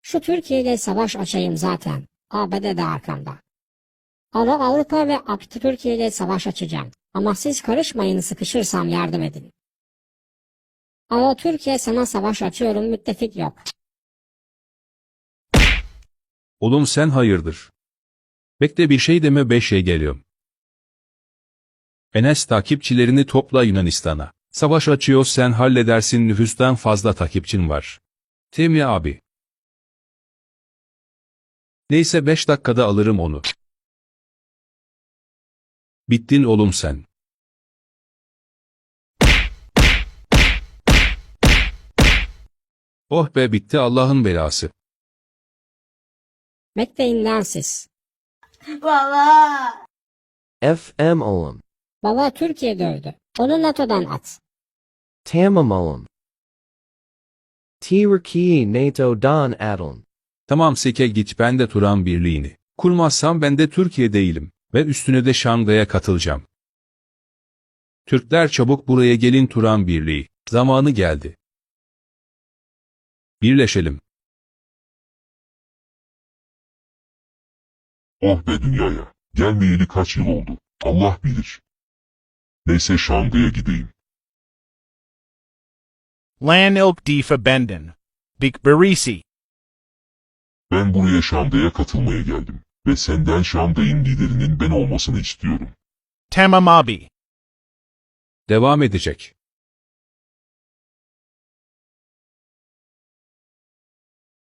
Şu Türkiye ile savaş açayım zaten. ABD de arkamda. Avrupa ve Türkiye ile savaş açacağım. Ama siz karışmayın, sıkışırsam yardım edin. Türkiye sana savaş açıyorum, müttefik yok. Oğlum sen hayırdır? Bekle, bir şey deme, 5 şey geliyorum. Enes, takipçilerini topla Yunanistan'a. Savaş açıyor, sen halledersin, nüfustan fazla takipçin var. Temi abi. Neyse 5 dakikada alırım onu. Bittin oğlum sen. Oh be, bitti Allah'ın belası. Bekleyin lan siz. Baba. FM oğlum. Baba Türkiye dövdü. Onu NATO'dan at. Tamam oğlum. Türkiye NATO'dan atılın. Tamam seke git, ben de Turan Birliği'ni kurmazsam ben de Türkiye değilim ve üstüne de Şangay'a katılacağım. Türkler çabuk buraya gelin, Turan Birliği zamanı geldi. Birleşelim. Oh be dünyaya. Gelmeyeli kaç yıl oldu. Allah bilir. Neyse Şangay'a gideyim. Lan ilk die Verbenden. Big Berisi. Ben buraya Şangay'a katılmaya geldim. Ve senden Şangay'ın liderinin ben olmasını istiyorum. Tamam abi. Devam edecek.